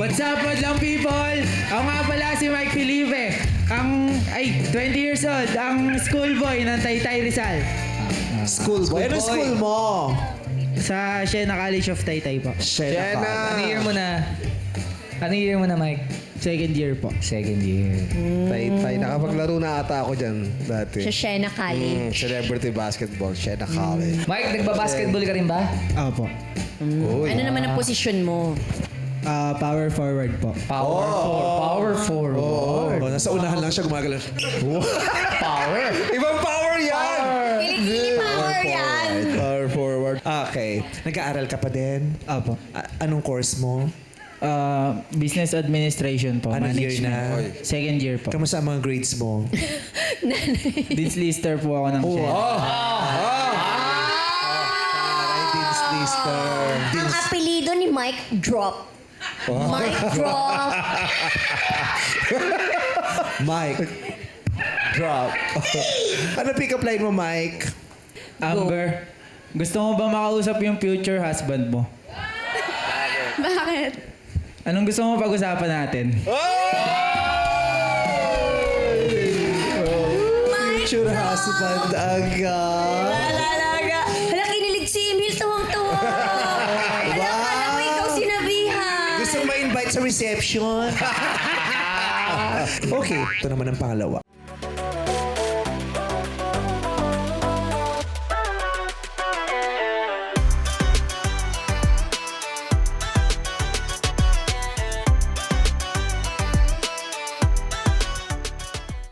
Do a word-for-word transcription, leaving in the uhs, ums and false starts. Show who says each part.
Speaker 1: What's up, madlang people? Ako nga pala si Mike Felipe. Ang, ay, twenty years old. Ang schoolboy ng Taytay Rizal.
Speaker 2: School boy. Ano school mo?
Speaker 1: Sa Siena College of Taytay po.
Speaker 2: Shena.
Speaker 3: Ano year mo na? Ano year mo na, Mike?
Speaker 1: Second year po.
Speaker 3: Second year.
Speaker 2: Tay-tay. Nakapaglaro na ata ako dyan dati.
Speaker 4: Sa Siena College.
Speaker 2: Mm, celebrity basketball. Shena College.
Speaker 3: Mike, nagbabasketball ka rin ba?
Speaker 1: Opo.
Speaker 2: Uy.
Speaker 4: Ano naman ang posisyon mo?
Speaker 1: Ah, power forward po.
Speaker 3: Power four. Power forward.
Speaker 2: Oh, nasa unahan lang siya gumagalaw.
Speaker 3: Power.
Speaker 2: Ibang power yan!
Speaker 4: Kilikili power yan!
Speaker 2: Power forward. Okay. Nag-aaral ka pa din?
Speaker 1: Opo.
Speaker 2: A- anong course mo?
Speaker 1: Ah, business administration po.
Speaker 2: Anong year
Speaker 1: Management.
Speaker 2: na?
Speaker 1: Second year po.
Speaker 2: Kamusta ang mga grades mo?
Speaker 1: Dean's Lister po ako ng Siena.
Speaker 2: Taray, Dean's Lister.
Speaker 4: Ang apelido ni Mike Drop. Mike Drop.
Speaker 2: Mike. Drop. Ano pick-up line mo, Mike?
Speaker 1: Amber, gusto mo ba makausap yung future husband mo?
Speaker 4: Bakit?
Speaker 1: Anong gusto mo pag-usapan natin?
Speaker 2: Future husband agad.
Speaker 4: Alalaga. Hala, kinilig si Emil. Tawang-tawa. Hala, kala mo ikaw sinabihan.
Speaker 2: Gusto mo ma-invite sa reception? Okay, ito naman ang pangalawa.